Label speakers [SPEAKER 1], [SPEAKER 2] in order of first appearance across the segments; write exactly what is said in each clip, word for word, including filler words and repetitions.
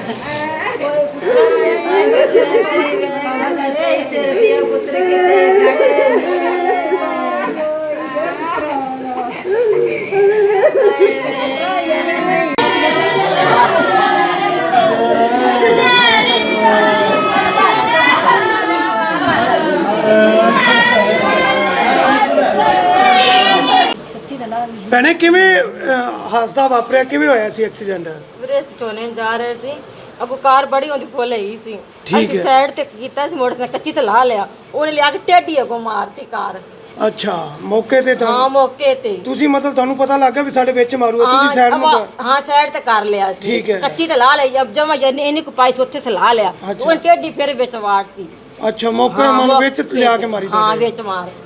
[SPEAKER 1] ਭੈਣੇ ਕਿਵੇਂ ਹਾਦਸਾ ਵਾਪਰਿਆ, ਕਿਵੇਂ ਹੋਇਆ ਸੀ ਐਕਸੀਡੈਂਟ?
[SPEAKER 2] ਵੀਰੇ ਸਟੋਨੇ ਜਾ ਰਹੇ ਸੀ, ਅੱਗੋਂ ਕਾਰ ਬੜੀ ਉਹਦੀ ਫੁੱਲ ਹੈਗੀ ਸੀ।
[SPEAKER 1] ਠੀਕ
[SPEAKER 2] ਅਸੀਂ
[SPEAKER 1] ਹੈ।
[SPEAKER 2] ਸਾਈਡ ਤੇ ਕੀਤਾ ਸੀ, ਮੋਟਰਸਾਈਕਲ ਕੱਚੀ ਤੇ ਲਾ ਲਿਆ, ਉਹਨੇ ਲਿਆ ਕੇ ਟੇਢੀ ਅੱਗੋਂ ਮਾਰਤੀ ਕਾਰ।
[SPEAKER 1] ਅੱਛਾ, ਮੌਕੇ ਤੇ
[SPEAKER 2] ਹਾਂ
[SPEAKER 1] ਤਾਂ
[SPEAKER 2] ਮੌਕੇ ਤੇ
[SPEAKER 1] ਤੁਸੀਂ ਮਤਲਬ ਤੁਹਾਨੂੰ ਪਤਾ ਲੱਗ ਗਿਆ ਵੀ ਸਾਡੇ ਵਿੱਚ ਮਾਰੂਗਾ, ਤੁਸੀਂ ਸਾਈਡ ਨੂੰ
[SPEAKER 2] ਹਾਂ
[SPEAKER 1] ਕਰ-
[SPEAKER 2] ਹਾਂ ਸਾਈਡ ਤੇ ਕਰ ਲਿਆ ਸੀ।
[SPEAKER 1] ਠੀਕ ਹੈ।
[SPEAKER 2] ਕੱਚੀ ਤੇ ਲਾ ਲਈ, ਜਦ ਜਮਾ ਇਹਨੇ ਕੋ ਪਾਈ ਸੀ ਉੱਥੇ ਸੇ ਲਾ ਲਿਆ,
[SPEAKER 1] ਅੱਛਾ।
[SPEAKER 2] ਉਹਨੇ ਟੇਢੀ ਫਿਰ ਵਿੱਚ ਵਾੜਤੀ।
[SPEAKER 1] ਅੱਛਾ, ਮੌਕੇ
[SPEAKER 2] ਹਾਂ,
[SPEAKER 1] ਮਨ
[SPEAKER 2] ਮੌਕੇ
[SPEAKER 1] ਵਿੱਚ ਲਿਆ ਕੇ ਮਾਰੀ
[SPEAKER 2] ਹਾਂ
[SPEAKER 1] ਤੁਹਾਡੇ।
[SPEAKER 2] ਵਿੱਚ ਮਾਰਤੀ।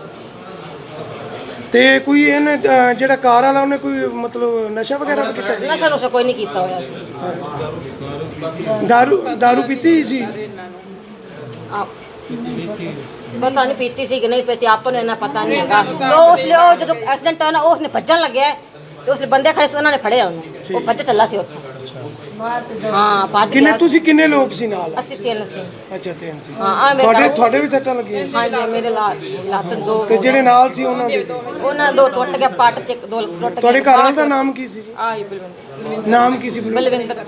[SPEAKER 1] ਤੇ ਕੋਈ ਇਹਨੇ ਅ, ਜਿਹੜਾ ਕਾਰ ਵਾਲਾ ਉਹਨੇ ਕੋਈ ਮਤਲਬ ਨਸ਼ਾ ਵਗੈਰਾ ਵੀ ਕੀਤਾ?
[SPEAKER 2] ਨਸ਼ਾ ਨੁਸ਼ਾ ਕੋਈ ਨਹੀਂ ਕੀਤਾ ਹੋਇਆ ਸੀ।
[SPEAKER 1] ਦਾਰੂ ਦਾਰੂ ਪੀਤੀ ਸੀ?
[SPEAKER 2] ਆ ਪਤਾ ਨਹੀਂ ਪੀਤੀ ਸੀ ਕਿ ਨਹੀਂ ਪੀਤੀ, ਆਪਾਂ ਨੂੰ ਇਹਨਾਂ ਪਤਾ ਨਹੀਂ ਹੈਗਾ। ਤੇ ਉਸ ਲਈ ਉਹ ਜਦੋਂ ਐਕਸੀਡੈਂਟ ਹੋਇਆ ਨਾ, ਉਸਨੇ ਭੱਜਣ ਲੱਗਿਆ ਤੇ ਉਸਲੇ ਬੰਦੇ ਖੜੇ ਸੀ, ਉਹਨਾਂ ਨੇ ਫੜਿਆ ਉਹਨੂੰ, ਉਹ ਭੱਜ ਚੱਲਾ ਸੀ ਉੱਥੋਂ। ਹਾਂ ਭੱਜ
[SPEAKER 1] ਕਿੰਨੇ
[SPEAKER 2] ਗਿਆ।
[SPEAKER 1] ਤੁਸੀਂ ਕਿੰਨੇ ਲੋਕ ਸੀ ਨਾਲ?
[SPEAKER 2] ਅਸੀਂ ਤਿੰਨ ਸੀ।
[SPEAKER 1] ਅੱਛਾ, ਤਿੰਨ ਸੀ।
[SPEAKER 2] ਹਾਂ ਆ ਮੇਰੇ
[SPEAKER 1] ਤੁਹਾਡੇ
[SPEAKER 2] ਘਰ-
[SPEAKER 1] ਤੁਹਾਡੇ ਵੀ ਸੱਟਾਂ ਲੱਗੀਆਂ?
[SPEAKER 2] ਹਾਂਜੀ ਮੇਰੇ ਲੱਤ ਲੱਤ ਦੋ
[SPEAKER 1] ਤੇ ਜਿਹੜੇ ਨਾਲ ਸੀ ਉਹਨਾਂ ਦੇ?
[SPEAKER 2] ਉਹਨਾਂ ਦੋ ਟੁੱਟ ਗਿਆ, ਪੱਟ ਤੇ ਇੱਕ ਦੋ ਟੁੱਟ ਗਏ।
[SPEAKER 1] ਤੁਹਾਡੇ ਘਰ ਵਾਲੇ ਦਾ ਨਾਮ ਕੀ ਸੀ ਜੀ?
[SPEAKER 2] ਆ ਜੀ ਬਲਵਿੰਦਰ
[SPEAKER 1] ਨਾਮ ਕੀ ਸੀ? ਬਲੂ-
[SPEAKER 2] ਬਲਵਿੰਦਰ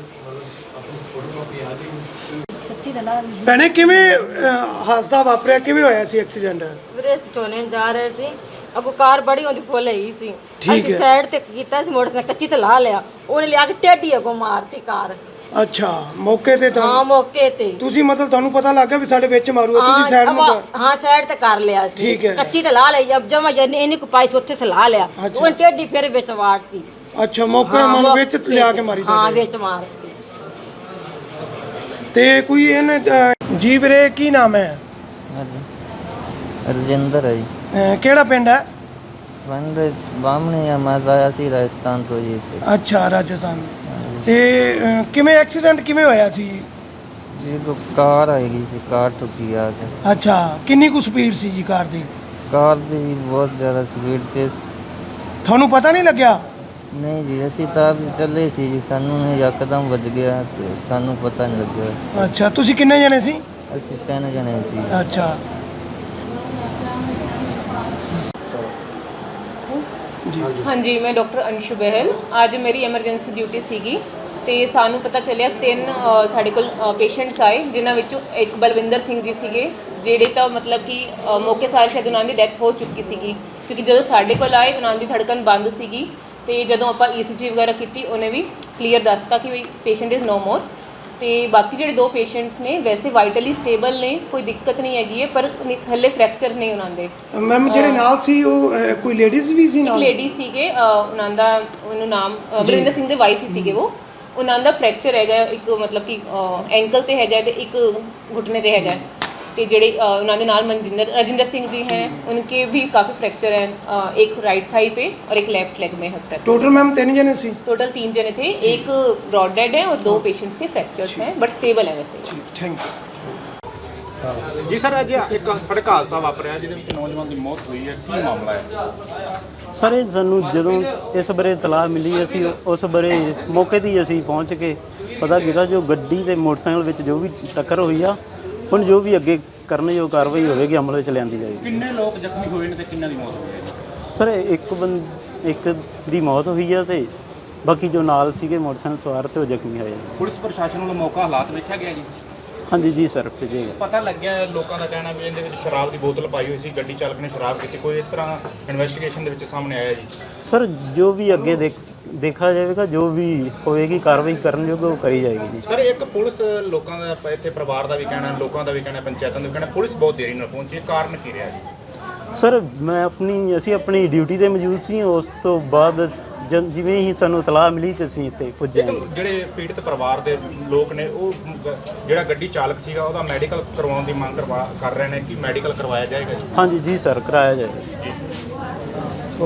[SPEAKER 1] ਭੈਣੇ ਕਿਵੇਂ ਅ, ਹਾਦਸਾ ਵਾਪਰਿਆ, ਕਿਵੇਂ ਹੋਇਆ ਸੀ ਐਕਸੀਡੈਂਟ?
[SPEAKER 2] ਵੀਰੇ ਸਟੋਨੇ ਜਾ ਰਹੇ ਸੀ, ਅੱਗੋਂ ਕਾਰ ਬੜੀ ਉਹਦੀ ਫੁੱਲ ਹੈਗੀ ਸੀ।
[SPEAKER 1] ਠੀਕ
[SPEAKER 2] ਅਸੀਂ
[SPEAKER 1] ਹੈ।
[SPEAKER 2] ਸਾਈਡ ਤੇ ਕੀਤਾ ਸੀ, ਮੋਟਰਸਾਈਕਲ ਕੱਚੀ ਤੇ ਲਾ ਲਿਆ, ਉਹਨੇ ਲਿਆ ਕੇ ਟੇਢੀ ਅੱਗੋਂ ਮਾਰਤੀ ਕਾਰ।
[SPEAKER 1] ਅੱਛਾ, ਮੌਕੇ ਤੇ ਤਾਂ
[SPEAKER 2] ਹਾਂ ਮੌਕੇ ਤੇ
[SPEAKER 1] ਤੁਸੀਂ ਮਤਲਬ ਤੁਹਾਨੂੰ ਪਤਾ ਲੱਗ ਗਿਆ ਵੀ ਸਾਡੇ ਵਿੱਚ ਮਾਰੂਗਾ, ਤੁਸੀਂ ਸਾਈਡ ਨੂੰ
[SPEAKER 2] ਹਾਂ
[SPEAKER 1] ਕਰ-
[SPEAKER 2] ਹਾਂ ਸਾਈਡ ਤੇ ਕਰ ਲਿਆ ਸੀ।
[SPEAKER 1] ਠੀਕ ਹੈ।
[SPEAKER 2] ਕੱਚੀ ਤੇ ਲਾ ਲਈ, ਜਦ ਜਮਾ ਇਹਨੇ ਕੋ ਪਾਈ ਸੀ ਉੱਥੇ ਸੇ ਲਾ ਲਿਆ,
[SPEAKER 1] ਅੱਛਾ।
[SPEAKER 2] ਉਹਨੇ ਟੇਢੀ ਫਿਰ ਵਿੱਚ ਵਾੜਤੀ।
[SPEAKER 1] ਅੱਛਾ, ਮੌਕੇ
[SPEAKER 2] ਹਾਂ,
[SPEAKER 1] ਮਨ
[SPEAKER 2] ਮੌਕੇ
[SPEAKER 1] ਵਿੱਚ ਲਿਆ ਕੇ ਮਾਰੀ
[SPEAKER 2] ਹਾਂ
[SPEAKER 1] ਤੁਹਾਡੇ।
[SPEAKER 2] ਵਿੱਚ ਮਾਰਤੀ।
[SPEAKER 1] ਤੇ ਕੋਈ ਇਹਨੇ ਅ, ਜੀ ਵੀਰੇ ਕੀ ਨਾਮ ਹੈ?
[SPEAKER 3] ਰਜਿੰਦਰ ਹੈ ਜੀ।
[SPEAKER 1] ਅ, ਕਿਹੜਾ ਪਿੰਡ ਹੈ?
[SPEAKER 3] ਪਿੰਡ ਬਾਹਮਣੇ ਆ, ਮੈਂ ਆਇਆ ਸੀ ਰਾਜਸਥਾਨ ਤੋਂ ਜੀ ਇੱਥੇ।
[SPEAKER 1] ਅੱਛਾ, ਰਾਜਸਥਾਨ। ਤੇ ਅ, ਕਿਵੇਂ ਐਕਸੀਡੈਂਟ ਕਿਵੇਂ ਹੋਇਆ ਸੀ?
[SPEAKER 3] ਜੀ ਕੋ ਕਾਰ ਆਏਗੀ ਸੀ, ਕਾਰ ਠੁੱਕੀ ਆ ਕੇ।
[SPEAKER 1] ਅੱਛਾ, ਕਿੰਨੀ ਕੁ ਸਪੀਡ ਸੀ ਜੀ ਕਾਰ ਦੀ?
[SPEAKER 3] ਕਾਰ ਦੀ ਬਹੁਤ ਜ਼ਿਆਦਾ ਸਪੀਡ ਸੀ।
[SPEAKER 1] ਤੁਹਾਨੂੰ ਪਤਾ ਨਹੀਂ ਲੱਗਿਆ?
[SPEAKER 3] ਨਹੀਂ ਜੀ, ਅਸੀਂ ਤਾਂ ਆਪ ਚੱਲੇ ਸੀ ਜੀ, ਸਾਨੂੰ ਨੇ ਯਕਦਮ ਵੱਜ ਗਿਆ ਤੇ ਸਾਨੂੰ ਪਤਾ ਨਹੀਂ ਲੱਗਿਆ।
[SPEAKER 1] ਅੱਛਾ, ਤੁਸੀਂ ਕਿੰਨੇ ਜਣੇ ਸੀ?
[SPEAKER 3] ਅਸੀਂ ਤਿੰਨ ਜਣੇ ਸੀ।
[SPEAKER 1] ਅੱਛਾ ਜੀ।
[SPEAKER 4] ਹਾਂਜੀ, ਮੈਂ ਡਾਕਟਰ ਅੰਸ਼ੂ ਬਹਿਲ। ਅੱਜ ਮੇਰੀ ਐਮਰਜੈਂਸੀ ਡਿਊਟੀ ਸੀਗੀ ਤੇ ਸਾਨੂੰ ਪਤਾ ਚੱਲਿਆ ਤਿੰਨ ਅ, ਸਾਡੇ ਕੋਲ ਪੇਸ਼ੈਂਟਸ ਆਏ, ਜਿਨ੍ਹਾਂ ਵਿੱਚੋਂ ਇੱਕ ਬਲਵਿੰਦਰ ਸਿੰਘ ਜੀ ਸੀਗੇ, ਜਿਹੜੇ ਤਾਂ ਮਤਲਬ ਕਿ ਅ, ਮੌਕੇ ਸਾਰ ਸ਼ਾਇਦ ਉਹਨਾਂ ਦੀ ਡੈਥ ਹੋ ਚੁੱਕੀ ਸੀਗੀ, ਕਿਉਂਕਿ ਜਦੋਂ ਸਾਡੇ ਕੋਲ ਆਏ ਉਹਨਾਂ ਦੀ ਧੜਕਣ ਬੰਦ ਸੀਗੀ ਤੇ ਜਦੋਂ ਆਪਾਂ ਈਸੀਜੀ ਵਗੈਰਾ ਕੀਤੀ ਉਹਨੇ ਵੀ ਕਲੀਅਰ ਦੱਸਤਾ ਕਿ ਵੀ ਪੇਸ਼ੈਂਟ ਇਜ਼ ਨੋ ਮੋਰ। ਤੇ ਬਾਕੀ ਜਿਹੜੇ ਦੋ ਪੇਸ਼ੈਂਟਸ ਨੇ ਵੈਸੇ ਵਾਈਟਲੀ ਸਟੇਬਲ ਨੇ, ਕੋਈ ਦਿੱਕਤ ਨਹੀਂ ਹੈਗੀ ਹੈ, ਪਰ ਨੀ- ਥੱਲੇ ਫ੍ਰੈਕਚਰ ਨੇ ਉਹਨਾਂ ਦੇ।
[SPEAKER 1] ਮੈਮ ਜਿਹੜੇ ਨਾਲ ਸੀ ਉਹ ਅ, ਕੋਈ ਲੇਡੀਜ਼ ਵੀ ਸੀ
[SPEAKER 4] ਇੱਕ
[SPEAKER 1] ਨਾਲ?
[SPEAKER 4] ਲੇਡੀ ਸੀਗੇ, ਅ, ਉਹਨਾਂ ਦਾ ਉਹਨੂੰ ਨਾਮ ਅ, ਬਲਵਿੰਦਰ ਸਿੰਘ ਦੇ ਵਾਈਫ ਹੀ ਸੀਗੇ ਉਹ। ਉਹਨਾਂ ਦਾ ਫ੍ਰੈਕਚਰ ਹੈਗਾ, ਇੱਕ ਮਤਲਬ ਕਿ ਐਂਕਲ ਤੇ ਹੈਗਾ ਤੇ ਇੱਕ घुटने ਤੇ ਹੈਗਾ। ਤੇ ਜਿਹੜੇ ਅ, ਉਹਨਾਂ ਦੇ ਨਾਲ ਮਨਜਿੰਦਰ राजेंद्र सिंह जी हैं, उनके भी काफ़ी फ्रैक्चर हैं, अ, एक राइट थाई पे और एक लेफ्ट लेग में है फ्रैक्चर।
[SPEAKER 1] ਟੋਟਲ ਮੈਮ ਤਿੰਨ ਜਣੇ ਸੀ?
[SPEAKER 4] टोटल तीन जने थे, एक ब्रॉड डेड है और दो पेशेंट्स के फ्रैक्चर्स हैं, बट स्टेबल है वैसे।
[SPEAKER 1] Thank you.
[SPEAKER 5] ਜੀ ਸਰ, ਅੱਜ ਇੱਕ ਸੜਕ ਹਾਦਸਾ ਵਾਪਰਿਆ ਜਿਹਦੇ ਵਿੱਚ ਨੌਜਵਾਨ ਦੀ ਮੌਤ ਹੋਈ ਹੈ, ਕੀ ਮਾਮਲਾ ਹੈ?
[SPEAKER 6] ਸਰ ਇਹ ਸਾਨੂੰ ਜਦੋਂ ਇਸ ਬਾਰੇ ਇਤਲਾਹ ਮਿਲੀ, ਅਸੀਂ ਉਸ ਬਾਰੇ ਮੌਕੇ 'ਤੇ ਹੀ ਅਸੀਂ ਪਹੁੰਚ ਕੇ ਪਤਾ ਕੀਤਾ ਜੋ ਗੱਡੀ ਤੇ ਮੋਟਰਸਾਈਕਲ ਵਿੱਚ ਜੋ ਵੀ ਟੱਕਰ ਹੋਈ ਆ, ਹੁਣ ਜੋ ਵੀ ਅੱਗੇ ਕਰਨਯੋਗ ਕਾਰਵਾਈ ਹੋਵੇਗੀ ਅਮਲ ਵਿੱਚ ਲਿਆਂਦੀ ਜਾਏਗੀ।
[SPEAKER 5] ਕਿੰਨੇ ਲੋਕ ਜ਼ਖਮੀ ਹੋਏ ਨੇ ਤੇ ਕਿੰਨਾਂ ਦੀ ਮੌਤ ਹੋਈ ਹੈ?
[SPEAKER 6] ਸਰ ਇੱਕ ਬੰਦ ਇੱਕ ਦੀ ਮੌਤ ਹੋਈ ਆ ਤੇ ਬਾਕੀ ਜੋ ਨਾਲ ਸੀਗੇ ਮੋਟਰਸਾਈਕਲ ਸਵਾਰ ਤੇ ਉਹ ਜ਼ਖਮੀ ਹੋਏ ਆ।
[SPEAKER 5] ਪੁਲਿਸ ਪ੍ਰਸ਼ਾਸਨ ਵੱਲੋਂ ਮੌਕਾ ਹਾਲਾਤ ਵੇਖਿਆ ਗਿਆ ਜੀ?
[SPEAKER 6] ਹਾਂਜੀ ਜੀ ਸਰ, ਭੇਜੇਗਾ।
[SPEAKER 5] ਪਤਾ ਲੱਗਿਆ ਲੋਕਾਂ ਦਾ ਕਹਿਣਾ ਵੀ ਇਹਦੇ ਵਿੱਚ ਸ਼ਰਾਬ ਦੀ ਬੋਤਲ ਪਾਈ ਹੋਈ ਸੀ, ਗੱਡੀ ਚਾਲਕ ਨੇ ਸ਼ਰਾਬ ਪੀਤੀ, ਕੋਈ ਇਸ ਤਰ੍ਹਾਂ ਇਨਵੈਸਟੀਗੇਸ਼ਨ ਦੇ ਵਿੱਚ ਸਾਹਮਣੇ ਆਇਆ ਜੀ?
[SPEAKER 6] ਸਰ ਜੋ ਵੀ ਅੱਗੇ ਦੇਖ ਦੇਖਾ ਜਾਵੇਗਾ, ਜੋ ਵੀ ਹੋਏਗੀ ਕਾਰਵਾਈ ਕਰਨ ਯੋਗ ਉਹ ਕਰੀ ਜਾਏਗੀ ਜੀ।
[SPEAKER 5] ਸਰ, ਇੱਕ ਪੁਲਿਸ ਲੋਕਾਂ ਦਾ ਇੱਥੇ ਪਰਿਵਾਰ ਦਾ ਵੀ ਕਹਿਣਾ, ਲੋਕਾਂ ਦਾ ਵੀ ਕਹਿਣਾ, ਪੰਚਾਇਤਾਂ ਦਾ ਵੀ ਕਹਿਣਾ, ਪੁਲਿਸ ਬਹੁਤ ਦੇਰੀ ਨਾਲ ਪਹੁੰਚੀ, ਕਾਰਨ ਕੀ ਰਿਹਾ ਜੀ?
[SPEAKER 6] ਸਰ ਮੈਂ ਆਪਣੀ ਅਸੀਂ ਆਪਣੀ ਡਿਊਟੀ ਤੇ ਮੌਜੂਦ ਸੀ, ਉਸ ਤੋਂ ਬਾਅਦ ਜਦ ਜਿਵੇਂ ਹੀ ਸਾਨੂੰ ਇਤਲਾਹ ਮਿਲੀ ਤੇ ਅਸੀਂ ਇੱਥੇ ਪੁੱਜੇ ਹਾਂ।
[SPEAKER 5] ਇੱਕ ਜਿਹੜੇ ਪੀੜਤ ਪਰਿਵਾਰ ਦੇ ਲੋਕ ਨੇ, ਉਹ ਜਿਹੜਾ ਗੱਡੀ ਚਾਲਕ ਸੀਗਾ ਉਹਦਾ ਮੈਡੀਕਲ ਕਰਵਾਉਣ ਦੀ ਮੰਗ ਕਰਵਾ ਕਰ ਰਹੇ ਨੇ, ਕਿ ਮੈਡੀਕਲ ਕਰਵਾਇਆ ਜਾਏਗਾ ਜੀ?
[SPEAKER 6] ਹਾਂਜੀ ਜੀ ਸਰ, ਕਰਾਇਆ ਜਾਏਗਾ।
[SPEAKER 5] ਜੀ।